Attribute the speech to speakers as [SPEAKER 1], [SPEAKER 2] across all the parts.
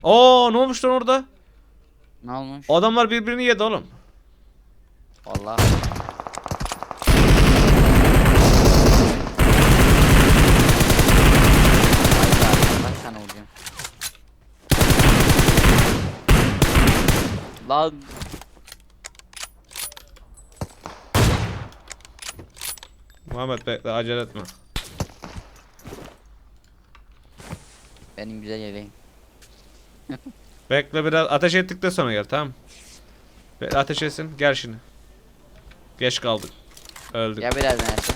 [SPEAKER 1] Oo, ne olmuş lan orada?
[SPEAKER 2] Ne olmuş?
[SPEAKER 1] Adamlar birbirini yedi oğlum.
[SPEAKER 2] Vallahi. Kaç tane vuracağım? Lan
[SPEAKER 1] Muhammed bekle, acele etme.
[SPEAKER 2] benim güzel yeleğim.
[SPEAKER 1] Bekle, biraz ateş ettikten sonra gel, tamam. Bekle, ateş etsin, gel şimdi. Geç kaldık. Öldük.
[SPEAKER 2] Ya birazdan Ersin.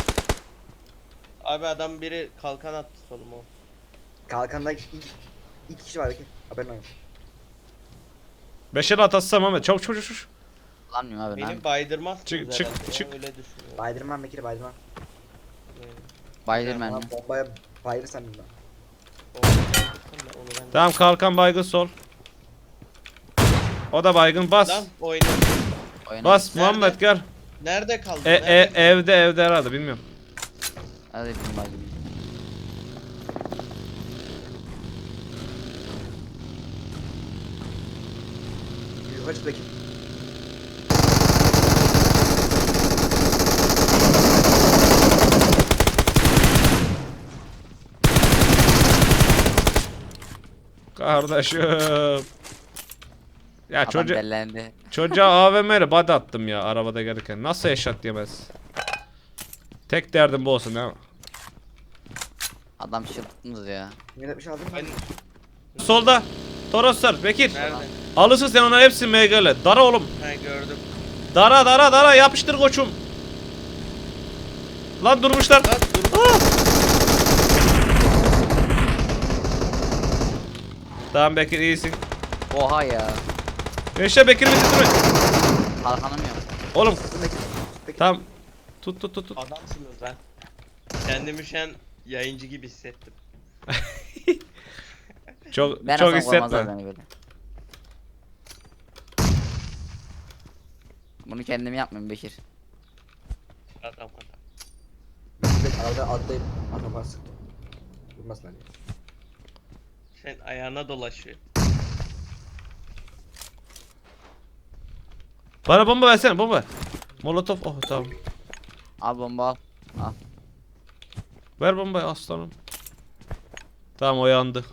[SPEAKER 3] Abi adam biri kalkan attı soluma.
[SPEAKER 4] Kalkanda iki kişi var belki. Haberin olsun.
[SPEAKER 1] Beşeri atası Muhammed, çabuk çabuk çabuk.
[SPEAKER 2] Kullanmıyorum abi.
[SPEAKER 3] Beni baydırmazsınız
[SPEAKER 1] Çık,
[SPEAKER 3] herhalde
[SPEAKER 1] çık,
[SPEAKER 3] ya,
[SPEAKER 1] çık.
[SPEAKER 3] öyle düşünüyorum.
[SPEAKER 4] Baydırman Bekir'i baydırman.
[SPEAKER 2] Bayılırım
[SPEAKER 4] Ama
[SPEAKER 2] ben.
[SPEAKER 4] bombaya bayılırsan bilmem.
[SPEAKER 1] Tamam, kalkan baygın sol. O da baygın, bas.
[SPEAKER 3] Lan oyna.
[SPEAKER 1] Bas
[SPEAKER 3] Nerede?
[SPEAKER 1] Muhammed, gel.
[SPEAKER 3] Nerede kaldın? Nerede kaldın?
[SPEAKER 1] Evde herhalde, bilmiyorum.
[SPEAKER 2] Hadi bizim bayılırım.
[SPEAKER 4] Yukarı çık Bekir.
[SPEAKER 1] Kardeşim. Ya
[SPEAKER 2] Adam bellendi.
[SPEAKER 1] çocuğa AVM ile body attım ya arabada gelirken. Nasıl eşat yemez? Tek derdim bu olsun değil mi?
[SPEAKER 2] Adam çırptınız ya.
[SPEAKER 4] Yine bir şey aldın mı?
[SPEAKER 3] Ben
[SPEAKER 1] Solda. Toroslar, Bekir.
[SPEAKER 3] nerede?
[SPEAKER 1] Alırsın sen onları hepsini MG'le. Dara oğlum.
[SPEAKER 3] Ha gördüm.
[SPEAKER 1] Dara yapıştır koçum. Lan durmuşlar.
[SPEAKER 3] Lan dur.
[SPEAKER 1] Ah! Tamam Bekir, iyisin.
[SPEAKER 2] Oha ya.
[SPEAKER 1] Gençler, Bekir'i bitirme.
[SPEAKER 2] Kalkanım yok.
[SPEAKER 1] Oğlum
[SPEAKER 4] Bekir. Bekir.
[SPEAKER 1] tamam. Tut.
[SPEAKER 3] Adamsınız lan. Kendimi şu an yayıncı gibi hissettim.
[SPEAKER 1] Çok
[SPEAKER 2] Ben
[SPEAKER 1] çok
[SPEAKER 2] aslan koymazlar
[SPEAKER 1] hissetme.
[SPEAKER 2] beni böyle. Bunu kendim yapmıyorum Bekir.
[SPEAKER 3] Adam.
[SPEAKER 4] Bekir arada atlayıp araba sıktım. Vurmasınlar diye.
[SPEAKER 3] Sen ayağına dolaşıyor.
[SPEAKER 1] Bana bomba versene, bomba. Molotof, oh tamam.
[SPEAKER 2] Al bomba al. Al.
[SPEAKER 1] Ver bombayı aslanım. Tamam, o yandı.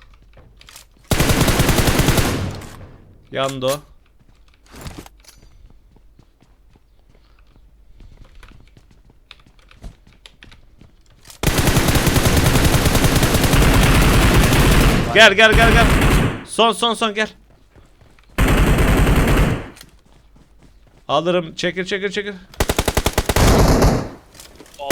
[SPEAKER 1] Yandı o. Gel. Son gel. Alırım. Çekil.
[SPEAKER 3] Allah.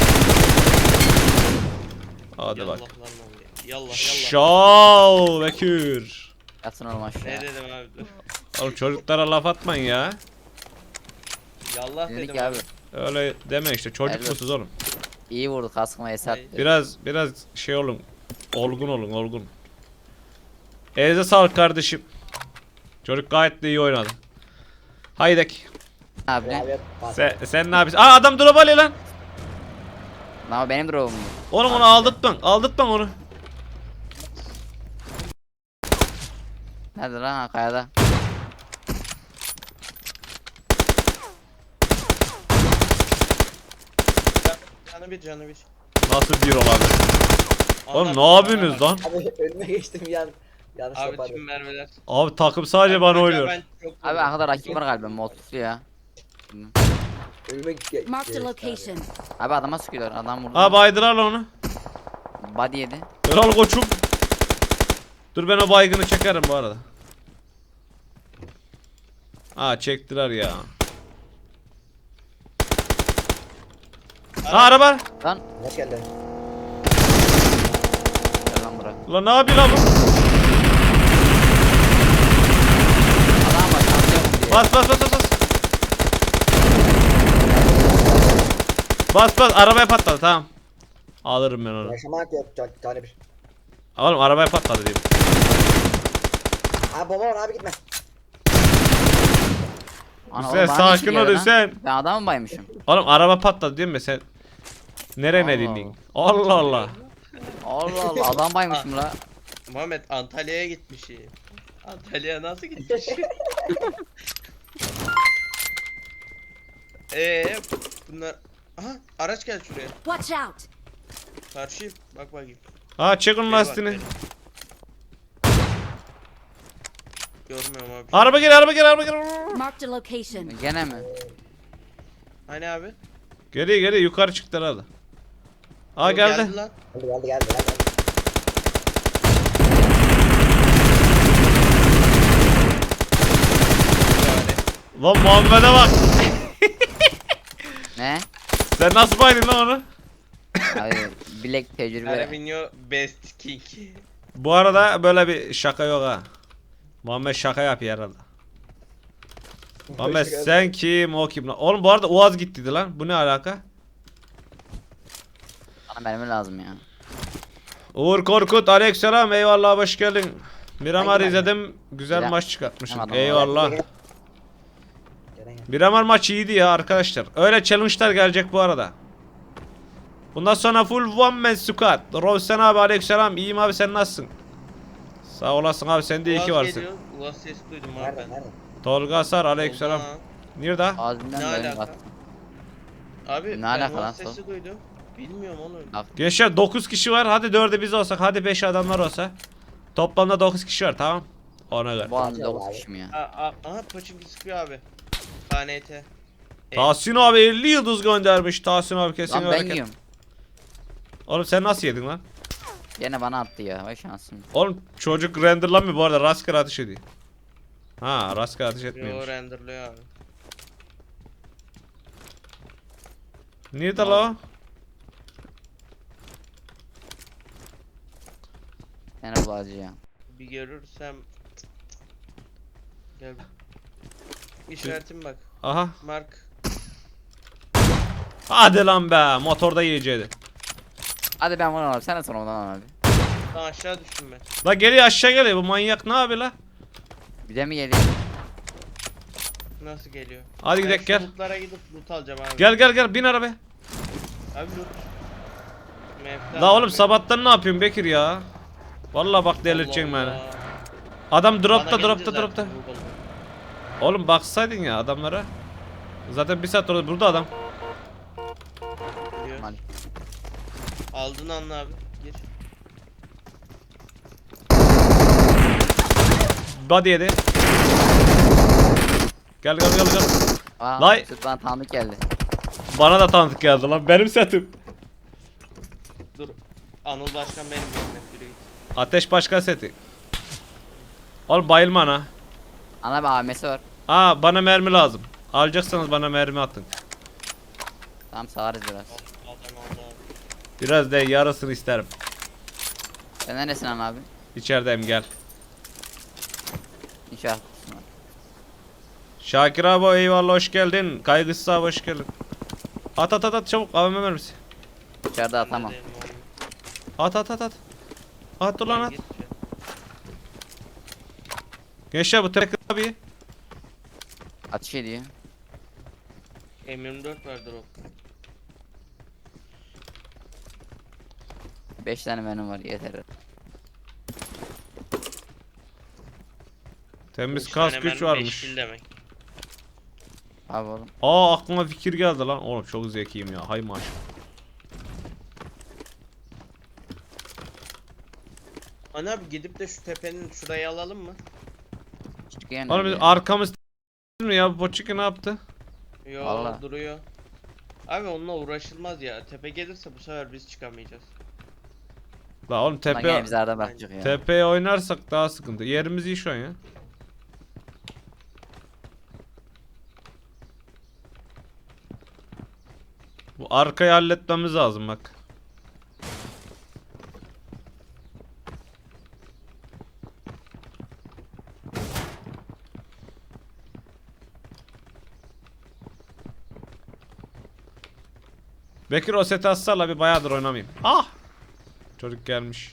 [SPEAKER 1] Hadi
[SPEAKER 3] Yallah
[SPEAKER 1] bak.
[SPEAKER 3] lan oğlum. Yallah.
[SPEAKER 1] Şov Bekir.
[SPEAKER 2] Yatın oğlum aşağı.
[SPEAKER 3] Ne dedim abi dur.
[SPEAKER 1] Oğlum çocuklara laf atmayın ya.
[SPEAKER 3] Yallah
[SPEAKER 2] Dedik
[SPEAKER 3] dedim
[SPEAKER 2] abi.
[SPEAKER 1] Öyle deme işte, çocuk
[SPEAKER 2] Evet.
[SPEAKER 1] musunuz oğlum?
[SPEAKER 2] İyi vurdu kaskıma Esat.
[SPEAKER 1] Biraz şey olun. Olgun. Elinize sağlık kardeşim. Çocuk gayet de iyi oynadı. Haydek.
[SPEAKER 2] Abi ne?
[SPEAKER 4] Abi bas.
[SPEAKER 1] Sen ne yapıyorsun? Aa, adam drop alıyor lan.
[SPEAKER 2] Ama benim drop'um bu.
[SPEAKER 1] Oğlum onu aldırtma onu.
[SPEAKER 2] Nerede lan ha, kayada?
[SPEAKER 3] Canı bir.
[SPEAKER 1] Nasıl bir olabilir? Oğlum
[SPEAKER 3] Anladım,
[SPEAKER 1] ne yapıyorsunuz
[SPEAKER 3] anladım.
[SPEAKER 1] lan?
[SPEAKER 4] Abi önüme geçtim yanlış
[SPEAKER 3] Abi
[SPEAKER 4] yapardım.
[SPEAKER 3] tüm mermiler.
[SPEAKER 1] Abi takım sadece bana
[SPEAKER 3] Kanka
[SPEAKER 1] oynuyor.
[SPEAKER 3] ben çok
[SPEAKER 2] Abi
[SPEAKER 3] vurdum.
[SPEAKER 2] arkada rakip var galiba molotoflu ya.
[SPEAKER 4] Önüme
[SPEAKER 5] Marked a
[SPEAKER 4] geçti
[SPEAKER 5] location.
[SPEAKER 2] Abi adama sıkıyorlar, adam vurdu.
[SPEAKER 1] Aa, baydılar lan onu.
[SPEAKER 2] Body yedi.
[SPEAKER 1] Kral koçum. Dur, ben o baygını çekerim bu arada. Aa, çektiler ya. Aa, araba.
[SPEAKER 2] Lan.
[SPEAKER 4] Ne geldi?
[SPEAKER 2] Gel lan buraya.
[SPEAKER 1] Ulan ne yapıyor lan bu?
[SPEAKER 2] Adam bak şampiyon diye.
[SPEAKER 1] Bas, arabaya patladı, tamam. Alırım ben onu.
[SPEAKER 4] Yaşamak yok tane bir.
[SPEAKER 1] Oğlum arabaya patladı diyeyim.
[SPEAKER 4] Abi bomba var abi gitme.
[SPEAKER 2] Ana,
[SPEAKER 1] Hüseyin,
[SPEAKER 2] oğlum bana niye
[SPEAKER 1] sakin ol
[SPEAKER 2] çıkıyor lan?
[SPEAKER 1] Hüseyin.
[SPEAKER 2] Ben adamı baymışım.
[SPEAKER 1] Oğlum araba patladı değil mi sen? Nereye
[SPEAKER 2] Allah
[SPEAKER 1] dinleyin? Allah.
[SPEAKER 2] Allah Allah adam baymışım la.
[SPEAKER 3] Muhammed Antalya'ya gitmiş. Antalya'ya nasıl gitmiş? Bunlar... Aha araç geldi şuraya.
[SPEAKER 5] Watch out!
[SPEAKER 3] Karşı bak bakayım.
[SPEAKER 1] Ha çek onun
[SPEAKER 3] Şuraya bak
[SPEAKER 1] lastiğini.
[SPEAKER 3] benim. Görmüyorum abi.
[SPEAKER 1] Araba gel araba gel araba gel.
[SPEAKER 5] Marked a location.
[SPEAKER 2] Gene mi?
[SPEAKER 3] Hani abi?
[SPEAKER 1] Geliyor yukarı çıktı herhalde. Aa
[SPEAKER 3] Yo,
[SPEAKER 1] geldi.
[SPEAKER 3] lan.
[SPEAKER 4] Geldi.
[SPEAKER 3] Yani.
[SPEAKER 1] Lan Muhammed'e bak.
[SPEAKER 2] Ne?
[SPEAKER 1] Sen nasıl baydın lan onu?
[SPEAKER 2] Abi bilek tecrübe.
[SPEAKER 3] Carabinho Best King.
[SPEAKER 1] Bu arada böyle bir şaka yok ha. Muhammed şaka yapıyor herhalde. Muhammed sen kim o kim lan? Oğlum bu arada Uaz gittiydi lan. Bu ne alaka?
[SPEAKER 2] Bana mermi lazım ya.
[SPEAKER 1] Uğur Korkut aleykümselam eyvallah hoş geldin. Miramar
[SPEAKER 4] Hangi
[SPEAKER 1] izledim. Güzel
[SPEAKER 2] Güzel.
[SPEAKER 1] maç çıkartmışsın.
[SPEAKER 2] Tamam.
[SPEAKER 1] Eyvallah.
[SPEAKER 4] Gel.
[SPEAKER 1] Miramar maçı iyiydi ya arkadaşlar. Öyle challenge'lar gelecek bu arada. Bundan sonra full one man squad. Rovsen abi aleykümselam. İyiyim abi sen nasılsın? Sağ olasın abi sen de iyi ki
[SPEAKER 3] Uaz
[SPEAKER 1] varsın.
[SPEAKER 3] geliyor. Uaz ses duydum abi
[SPEAKER 4] Nerede?
[SPEAKER 3] ben.
[SPEAKER 4] Nerede?
[SPEAKER 1] Tolga Sar aleykümselam.
[SPEAKER 3] Oha.
[SPEAKER 1] Nerede?
[SPEAKER 2] Ağzından
[SPEAKER 3] Ne
[SPEAKER 2] böyle
[SPEAKER 3] alaka?
[SPEAKER 2] bastım.
[SPEAKER 3] Abi
[SPEAKER 2] Ne
[SPEAKER 3] ben
[SPEAKER 2] alaka lan
[SPEAKER 3] Uaz
[SPEAKER 2] sol?
[SPEAKER 3] sesi duydum. Bilmiyorum oğlum.
[SPEAKER 1] Gençler 9 kişi var. Hadi 4'ü biz olsak. Hadi 5 adamlar olsa. Toplamda 9 kişi var tamam. Ona göre.
[SPEAKER 2] Bu anda
[SPEAKER 4] Acaba
[SPEAKER 2] 9
[SPEAKER 4] abi.
[SPEAKER 2] kişi mi ya?
[SPEAKER 3] Aha Pochinki sıkıyor abi. KNT.
[SPEAKER 1] Tahsin abi 50 yıldız göndermiş. Tahsin abi kesin
[SPEAKER 2] Lan ben
[SPEAKER 1] hareket.
[SPEAKER 2] yiyorum.
[SPEAKER 1] Oğlum sen nasıl yedin lan?
[SPEAKER 2] Gene bana attı ya. Vay şansım.
[SPEAKER 1] Oğlum çocuk renderlanmıyor bu arada rastgele ateş ediyor. Ha rastgele ateş
[SPEAKER 3] Yo
[SPEAKER 1] etmiyormuş.
[SPEAKER 3] renderlıyor abi.
[SPEAKER 1] Nerede la o?
[SPEAKER 2] Gene bu acı ya.
[SPEAKER 3] Bir görürsem... Gel. İşaretim bak.
[SPEAKER 1] Aha.
[SPEAKER 3] Mark.
[SPEAKER 1] Hadi lan be motorda yiyeceğiydi.
[SPEAKER 2] Hadi ben bunu alayım. Sen de sonra ondan al abi.
[SPEAKER 3] Daha aşağı düştüm ben.
[SPEAKER 1] La geliyor aşağı geliyor bu manyak ne yapıyor la?
[SPEAKER 2] Bir de mi geliyor?
[SPEAKER 3] Nasıl geliyor?
[SPEAKER 1] Hadi
[SPEAKER 3] Ben
[SPEAKER 1] gidelim
[SPEAKER 3] şu
[SPEAKER 1] gel.
[SPEAKER 3] lootlara gidip loot alacağım abi.
[SPEAKER 1] Gel bin arabaya.
[SPEAKER 3] Abi loot. Mevcut
[SPEAKER 1] La oğlum
[SPEAKER 3] abi.
[SPEAKER 1] sabahtan ne yapıyorsun Bekir ya? Vallahi bak delirteceksin
[SPEAKER 3] Allah
[SPEAKER 1] beni.
[SPEAKER 3] Allah.
[SPEAKER 1] Adam
[SPEAKER 3] Bana
[SPEAKER 1] dropta
[SPEAKER 3] gelince
[SPEAKER 1] dropta
[SPEAKER 3] zaten
[SPEAKER 1] dropta.
[SPEAKER 3] loot oldu.
[SPEAKER 1] Oğlum baksaydın ya adamlara. Zaten bir saat orada burada adam.
[SPEAKER 3] Biliyoruz.
[SPEAKER 2] Mal.
[SPEAKER 3] Aldın anla abi. Gir.
[SPEAKER 1] Body yedi. Gel.
[SPEAKER 2] Aa,
[SPEAKER 1] Lay.
[SPEAKER 2] süt bana tanıdık geldi.
[SPEAKER 1] Bana da tanıdık geldi lan benim setim.
[SPEAKER 3] Dur. Anıl Başkan benim görmek yürü git.
[SPEAKER 1] Ateş başka seti. Oğlum bayılma ana.
[SPEAKER 2] Ana bir AVM'si var.
[SPEAKER 1] Aa bana mermi lazım. Alacaksanız bana mermi atın.
[SPEAKER 2] Tamam sağarız biraz.
[SPEAKER 3] Adam aldı abi.
[SPEAKER 1] Biraz da yarısını isterim.
[SPEAKER 2] Sen neresin ana abi?
[SPEAKER 1] İçerideyim gel.
[SPEAKER 2] İnşaat.
[SPEAKER 1] Şakir abi eyvallah hoş geldin. Kaygısız abi hoş geldin. At çabuk AVM mermisi.
[SPEAKER 2] İçeride atamam.
[SPEAKER 3] Neredeyim oğlum?
[SPEAKER 1] At. At ulan
[SPEAKER 3] Ben
[SPEAKER 1] at.
[SPEAKER 3] git ya.
[SPEAKER 1] Gençler bu tek abi.
[SPEAKER 2] Ateş ediyor.
[SPEAKER 3] M24 vardır o.
[SPEAKER 2] 5 tane benim var yeter.
[SPEAKER 1] Temiz
[SPEAKER 3] Üç
[SPEAKER 1] kas
[SPEAKER 3] tane
[SPEAKER 1] güç
[SPEAKER 3] mermi, beş
[SPEAKER 1] varmış.
[SPEAKER 3] kill demek.
[SPEAKER 2] Abi oğlum.
[SPEAKER 1] Aa aklıma fikir geldi lan. Oğlum çok zekiyim ya. Hay maşallah.
[SPEAKER 3] Ana abi gidip de şu tepenin şurayı alalım mı?
[SPEAKER 2] Çıkıyor
[SPEAKER 1] Oğlum biz arkamız mi ya? Bu Poçiki ne yaptı?
[SPEAKER 3] Yo
[SPEAKER 2] Vallahi.
[SPEAKER 3] duruyor. Abi onunla uğraşılmaz ya. Tepe gelirse bu sefer biz çıkamayacağız.
[SPEAKER 1] La oğlum
[SPEAKER 2] Tepe.
[SPEAKER 1] tepe
[SPEAKER 2] Bizi arada bakacak ya.
[SPEAKER 1] tepeye oynarsak daha sıkıntı. Yerimiz iyi şu an ya. Bu arkayı halletmemiz lazım bak. Bekir o seti atsala bir bayağıdır oynamayayım. Ah! Çocuk gelmiş.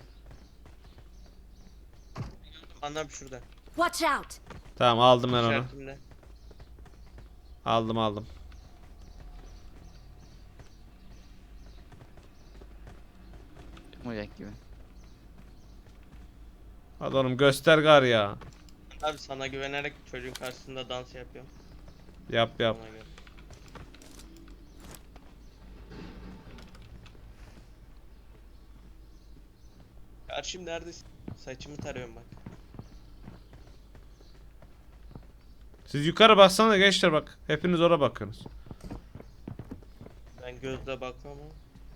[SPEAKER 3] Ana abi şurada.
[SPEAKER 5] Watch out!
[SPEAKER 1] Tamam aldım ben onu.
[SPEAKER 3] İşaretimde.
[SPEAKER 1] Aldım.
[SPEAKER 2] Çıkmayacak gibi.
[SPEAKER 1] Hadi oğlum göster gar ya.
[SPEAKER 3] Abi sana güvenerek çocuğun karşısında dans yapıyorum.
[SPEAKER 1] Yap yap.
[SPEAKER 3] Ona göre. Karşım neredesin? Saçımı tarıyorum bak.
[SPEAKER 1] Siz yukarı baksana gençler bak. Hepiniz oraya bakıyorsunuz.
[SPEAKER 3] Ben gözle bakmam ama.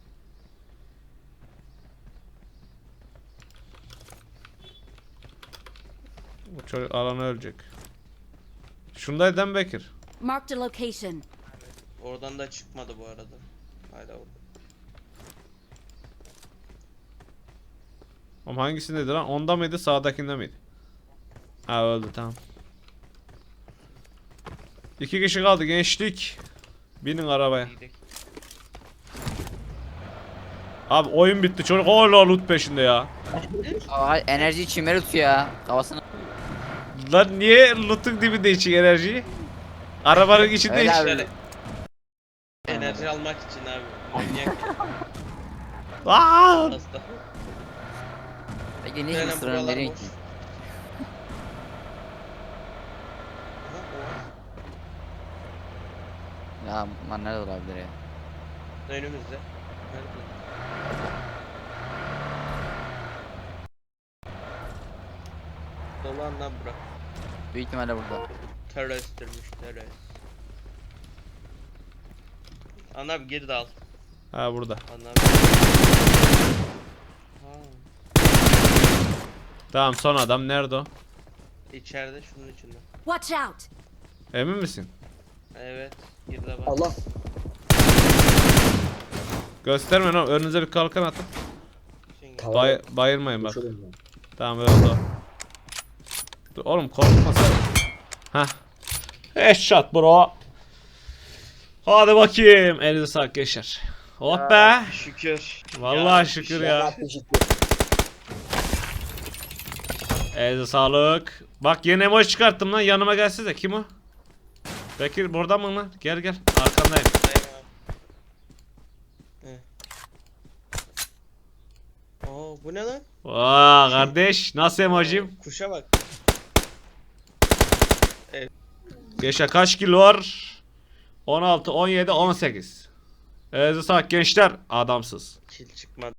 [SPEAKER 1] Bu çocuk alanı ölecek. Şundaydı değil mi Bekir?
[SPEAKER 5] Marked a location.
[SPEAKER 3] Oradan da çıkmadı bu arada. Hala orada.
[SPEAKER 1] Ama hangisindeydi lan? Onda mıydı sağdakinde miydi? Ha öldü tamam. 2 kişi kaldı gençlik. Binin arabaya.
[SPEAKER 3] İyiydik.
[SPEAKER 1] Abi oyun bitti çocuk hala loot peşinde ya.
[SPEAKER 2] Aa, enerji çimeri tutuyor ya. Kafasını.
[SPEAKER 1] Lan niye loot'un dibinde için enerjiyi? Arabanın içinde
[SPEAKER 2] Öyle
[SPEAKER 1] hiç.
[SPEAKER 2] abi.
[SPEAKER 3] Şöyle enerji almak için abi. Manyak
[SPEAKER 1] Aa!
[SPEAKER 3] hasta.
[SPEAKER 2] Peki ne
[SPEAKER 3] Aynen,
[SPEAKER 2] için sıranın
[SPEAKER 3] buralar
[SPEAKER 2] nereye
[SPEAKER 3] boş.
[SPEAKER 2] ki?
[SPEAKER 3] Aha, o var.
[SPEAKER 2] Ya bunlar nerede olabilir ya?
[SPEAKER 3] Önümüzde. Nerede? Dolan lan bura.
[SPEAKER 2] Büyük ihtimalle burada.
[SPEAKER 3] Teröristtirmiş terörist. Anam geri de al.
[SPEAKER 1] Ha burada.
[SPEAKER 3] Anam. Ha,
[SPEAKER 1] Tamam son adam nerede o?
[SPEAKER 3] içeride şunun içinde.
[SPEAKER 5] Watch out!
[SPEAKER 1] Emin misin?
[SPEAKER 3] Evet. Geri de bak.
[SPEAKER 4] Allah.
[SPEAKER 1] Gösterme lan önünüze bir kalkan atın.
[SPEAKER 3] Şimdi-
[SPEAKER 4] Tava-
[SPEAKER 1] Bayırmayın bak.
[SPEAKER 4] Şöyle mi?
[SPEAKER 1] Tamam öldü o. Dur oğlum korkmasana. Hah. Headshot bro. Hadi bakayım. Elinize sağlık gençler. Oh be.
[SPEAKER 3] Şükür.
[SPEAKER 1] Vallahi
[SPEAKER 3] Ya,
[SPEAKER 1] şükür
[SPEAKER 3] şey-
[SPEAKER 1] ya.
[SPEAKER 4] Ya, teşekkür.
[SPEAKER 1] Elinize sağlık. Bak yeni emoji çıkarttım lan yanıma gelsene. Kim o? Bekir burada mı lan? Gel gel. Arkandayım.
[SPEAKER 3] Oo bu ne lan?
[SPEAKER 1] Vaa kardeş nasıl emojim?
[SPEAKER 3] Kuşa bak.
[SPEAKER 1] Gençler kaç kilo var? 16, 17, 18. Elinize sağlık gençler. Adamsız.
[SPEAKER 3] Kil çıkmadı.